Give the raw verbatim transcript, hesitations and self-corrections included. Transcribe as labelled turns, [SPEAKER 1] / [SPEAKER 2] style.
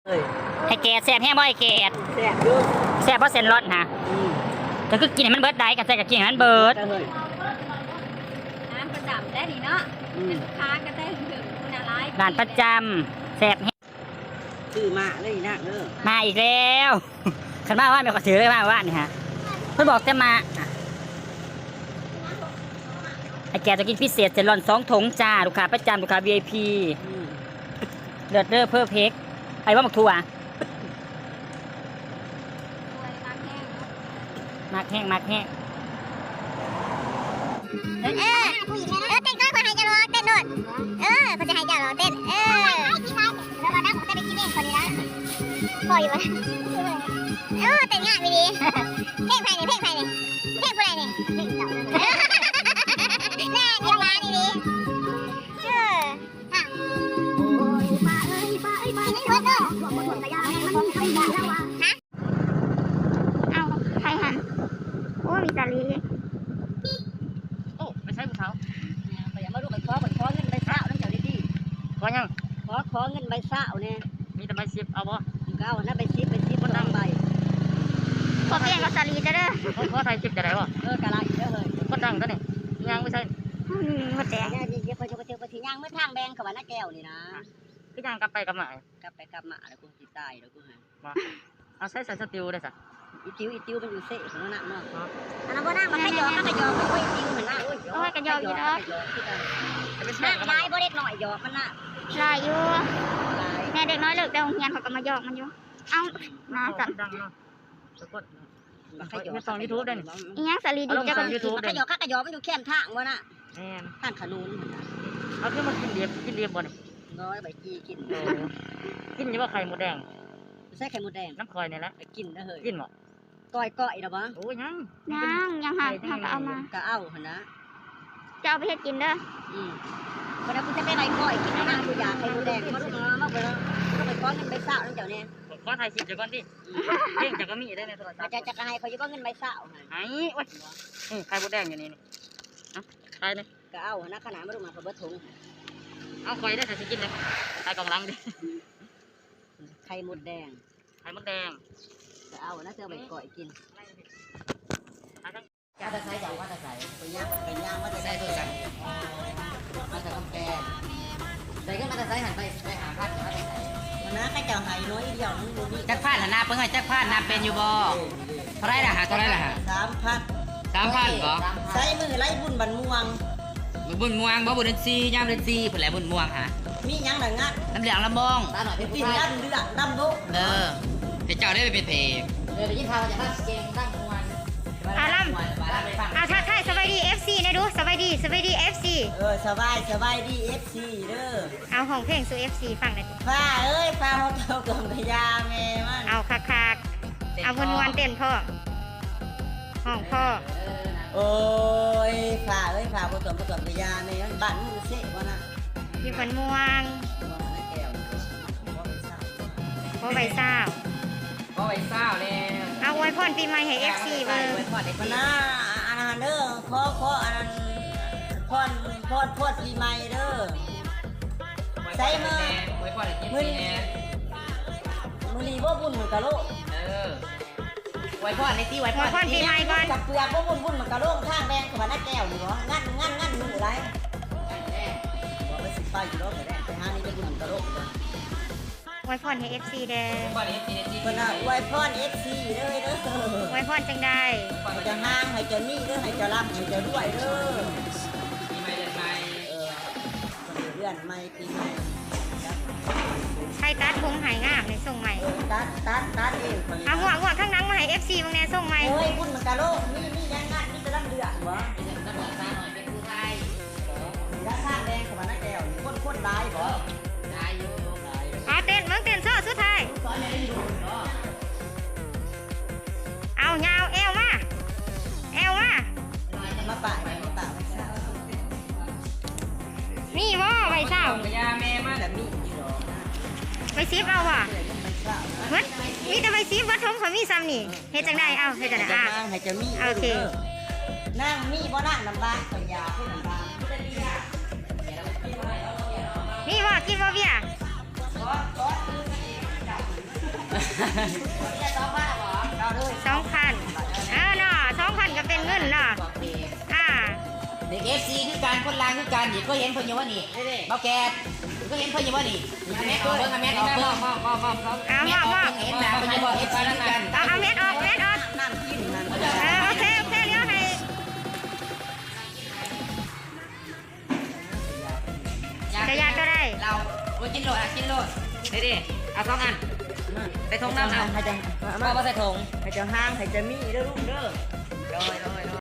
[SPEAKER 1] ไอ้แกแซ่บแห้งบ่ไอ้แกแซ่บอยู่แซ่บเพราะเส้นรสนะก็คือกินให้มันเบิดได้กันใส่กับกินให้มันเบิด
[SPEAKER 2] น้ำประจำได้ดีเนาะเป็นลูกค้าก็ได้ถึงคุณอะไร
[SPEAKER 1] ร้านประจำแซ่บแห้ง
[SPEAKER 3] ซื้อมาเลยนะเด้อ
[SPEAKER 1] มาอีกแล้วขันมาว่าไม่ขอถือเลยมาว่านี่ฮะเพิ่นบอกจะมาไอ้แกจะกินพิเศษเซนรอนสองถุงจ้าลูกค้าประจำลูกค้า วี ไอ พี เลือดเด้อเพิ่มเพกไอ้ว่าหมกถั่วมากแห้งมากแห้ง
[SPEAKER 4] เออเออเต้นก็คนให้จะรอเต้นโดดเออคนจะให้จะรอเต้นเออแล้วมานั่งผมจะไปกินเองคนนี้นะพออยู่วะเออเต้นง่ายไปดีเพลงใครเนี่ยเพลงใครเนี่ยเพลงอะไรเนี่ยเพลงเก่าแน่เดี๋ยวมาดีดีเออฮะโอ้ยป้าเอ้ยป้าเอ้ยป้าเอ้ยเด้อฮะเอาใครหันโอ้มีสาลี
[SPEAKER 1] โอ้ไม่ใช่ผู้สาว
[SPEAKER 3] ไปอย่ามาดูไปขอไปขอเงินใบเศร้านั่นเจ้าดี
[SPEAKER 1] ขอยัง
[SPEAKER 3] ๆขอขอเงินใบเศร้าเนี่ย
[SPEAKER 1] มีแต่ใบสิบเอาบ่
[SPEAKER 3] ก็เอานะใบสิบใบสิบคนนั่งใบ
[SPEAKER 4] ขอเปลี่ยนกับสาลีจะเด้อ
[SPEAKER 1] ขอไทยสิบจะได้บ่
[SPEAKER 3] เออกะไรเด้อเลย
[SPEAKER 1] คนดังตัวนี้ยังไม่ใช่
[SPEAKER 4] หมดแดง
[SPEAKER 3] เนี่ยเดี๋ยวไปไปไปที่ย่างเมื่อทางแบงเขาว่าน้าแก้วนี่นะ
[SPEAKER 1] ก็ยังกลับไปกลับมาก
[SPEAKER 3] ลับไปกลับมาแล้วกูติดตายแล้วกูฮะ
[SPEAKER 1] เอาใส่ใส่สติวได้สัก
[SPEAKER 3] อีติวอีติวมันอยู่เซ่ของนั่นเนาะ
[SPEAKER 4] อันนั้นบ่นั่งมัน
[SPEAKER 3] ข
[SPEAKER 4] ข
[SPEAKER 3] ย
[SPEAKER 4] ย
[SPEAKER 3] อ
[SPEAKER 4] อ
[SPEAKER 3] มันขยอมันโอ้ยติวเหมือนน่ะโอ้ย
[SPEAKER 4] โอ้ยกระยออยู่เนาะ
[SPEAKER 3] นั่งลายบ่เล็กหน่อยหยอกมันน่ะ
[SPEAKER 4] ลายอยู่แม่เด็กน้อยเลิกแต่โรงเรียนเขาก็มาหยอกมันอยู่เอ้ามาสั่น
[SPEAKER 1] ดังเนาะสะกดขยอสองยูทูบได้นี่
[SPEAKER 4] อีหยังสาลีดีจัง
[SPEAKER 3] ยูทูบขยอข้ากระยอมันอยู่แคมทางวะน่ะ
[SPEAKER 1] แม่น
[SPEAKER 3] ทางขนุน
[SPEAKER 1] เอาขึ้นมากินเรียบกินเรียบบ่นี่
[SPEAKER 3] น้อยใบจีกิน
[SPEAKER 1] กินอยู่ว่าไข่หมูแดง
[SPEAKER 3] ใส่ไข่มดแดง
[SPEAKER 1] น้ำคอยนี่แหละ
[SPEAKER 3] กินนะเฮ้ย
[SPEAKER 1] กินบ่
[SPEAKER 3] ก้อยก้อยนะบ้าง
[SPEAKER 1] โอ้ยยัง
[SPEAKER 4] ยังยังหักหักเอามา
[SPEAKER 3] ก็เอาหนะ
[SPEAKER 4] จะเอาไปเฮ็ดกินเด้อ
[SPEAKER 3] อืมวันนั้นกูจะไปไรก้อยกินนะกูอยากไข่มดแดงมาลูกมามาไปแล้วก็ไปก้อนเงินใบเศร้านั่นเจ้าเนี่ย
[SPEAKER 1] ก้อนไทยสิบจะก้อนดิเพ่งจะก็มีได้ในโทรศัพท์
[SPEAKER 3] จะจะให้เขาจะก้อนเงินใบเศร้า
[SPEAKER 1] ไอ้โอ้ยนี่ไข่มดแดงอยู่นี่นี่เอ้าไข่เลย
[SPEAKER 3] ก็เอาหนะขนาดมาลูกมาเบิดถุง
[SPEAKER 1] เอาคอยได้ใส่สกินเลยไข่กองลังดิ
[SPEAKER 3] ไข่มดแดง
[SPEAKER 1] ไข่มดแดง
[SPEAKER 3] ก็เอานะเจ้าใบก้อยกินจะจะใส่อย่างว่าจะใส่ไปย่างไปย่างว่าจะใส่ตัวจังมาจากกำแพงใส่ก็มาจะใส่หันไปไปหาพัดจะมาจะใส่วันนั้นใครจะหายน้อยเดียวนึงดูนี่
[SPEAKER 1] จักพัดหันหน้าเพิ่งให้จักพัดหน้าเป็นอยู่บ่เท่าไรล่ะฮะเท่าไรล่ะฮะ
[SPEAKER 3] สามพัน
[SPEAKER 1] สามพันบ่
[SPEAKER 3] ใส่มือไล่บุญบันม่วง
[SPEAKER 1] บุญม่วงบ่บุญเดือนสี่ย่ามเดือนสี่ผลแหลบุญม่วงฮะ
[SPEAKER 3] มียังหนังงัด
[SPEAKER 1] น้ำเหลืองลำบอง
[SPEAKER 3] เป็นตีนดำเดือดดำดุ
[SPEAKER 1] เออเป็นเจ้าได้ไปเป็นเพลง
[SPEAKER 3] เดี๋ยวยิ่งพาจะมาเก่งตั้งมวน
[SPEAKER 4] อาล่ำอาทักทายสบายดี เอฟ ซี นะดูสบายดีสบายดี เอฟ ซี
[SPEAKER 3] เออสบายสบายดี เอฟ ซี เด้อ
[SPEAKER 4] เอาของเพลงสู่ เอฟ ซี ฟังหน่อย
[SPEAKER 3] ฟ้าเอ้ยฟ้าเขาเท่ากับพญาแม่มัน
[SPEAKER 4] เอาคักคักเอาวนวนเต้นพ่อห้องพ่อ
[SPEAKER 3] โอ้ยฟ้าเอ้ยฟ้าเขาตัวเขาตัวพญาแม่มันบ้านมึงเสะวะนะ
[SPEAKER 4] อยู่คนม่วงพ่อใบเศร้า
[SPEAKER 1] พ่อใบเศร้าแล้ว
[SPEAKER 4] เอาไว้พ่นปีใหม่ให้ เอฟ ซี เบอร์
[SPEAKER 3] มันน่าอันนั้นเด้อขอขออันนั้นพ่นพ่นพ่นปีใหม่เด้อใส่มือมือมือนีบ่บุญเหมือนกะโล
[SPEAKER 1] เออไว้พ่นในที่ไว้พ่
[SPEAKER 4] นปีใหม่ก่อน
[SPEAKER 3] กับเปลือกบ่บุญบุญเหมือนกะโลข้างแดงกับมันน่าแก้วนี่บ่งั้นงั้นงั้นดูไรบ่ไปสิไปอยู่แล้วแต่ไปหานี่จะบุญเหมือนกะโล
[SPEAKER 4] ไว้พ่นให้ เอฟ ซี เด้อ
[SPEAKER 3] เพิ่นน่ะไว้พ่น เอฟ ซี เด้อเด้อ
[SPEAKER 4] ไว้พ่นจังได้
[SPEAKER 3] ให้จะห้างให้จะนี่เด้อให้จะรับให้จะรวยเด้อ
[SPEAKER 1] ปีใหม่เดือนใหม่
[SPEAKER 3] เออเดือนใหม่ปีใหม่
[SPEAKER 4] ใครตัดผมหายงามในส่งใหม่
[SPEAKER 3] ตัดตัดตัดเอง
[SPEAKER 4] เอาหัวหัวข้างนังมาให้ เอฟ ซี บางแน่ส่งใหม่
[SPEAKER 3] โอ้ยบุญมันกะโลมีมียังงานมีแต่ลำเดือดบ่
[SPEAKER 1] น้ำเหลืองตาหน่อยเป็นผู้ไทย
[SPEAKER 3] ราคาแดงกับมันน่าแก้วคนคนได้บ่
[SPEAKER 1] ได้อยู่
[SPEAKER 4] เอาเต้นมึงเต้นโซ่สุดท้ายเอายาวเอวมาเอวมา
[SPEAKER 3] มาป่ามาป่า
[SPEAKER 4] นี่ว่าใบเศร้า
[SPEAKER 1] พญาแม่มาแบบนี้
[SPEAKER 4] ใบซีฟเอาว่ะเหมือนมีแต่ใบซีฟวัดทงเขามีซ้ำนี่เฮ็ดจังได้เอาเฮ็ดจังได้อ่ะ
[SPEAKER 3] ให้จะมี
[SPEAKER 4] โอเค
[SPEAKER 3] นั่งมีบ่นั่งลำบากพญาผู้ลำบาก
[SPEAKER 4] นี่ว่ากินว่าเบี้ย
[SPEAKER 3] สองพันหรอเราด้วย
[SPEAKER 1] สองพันเออเนาะสองพันก็เป็นเงินเนาะอ่า
[SPEAKER 3] เด็กเอฟซีคือการคนลางคือการนี่ก็เห็นเพิ่นอยู่ว่านี่เบาแกก็เห็นเพิ่นอยู่ว่านี่แม่เพิ่นแม่เพิ่นมองมองมองมอง
[SPEAKER 1] เอา
[SPEAKER 3] แม่
[SPEAKER 1] มา
[SPEAKER 3] เพิ่
[SPEAKER 1] มาน
[SPEAKER 3] เห็นหน้าเพิ่นจะบอกเอฟซีคือกัน
[SPEAKER 1] เอาเอาเม็ดออกเม็ดออก
[SPEAKER 3] น้ำกินนั่น
[SPEAKER 1] เออโอเคโอเคเลี้ยวให้ จะยากก็ได้
[SPEAKER 3] เราโอ้กินโลดอ่ะกินโลดนี่ดิเอาสองอันใส่ถุงน้ำเอาให้จังมาใส่ถุงให้จังห้างให้จะมีเด้อลูกเด้อโดยโดย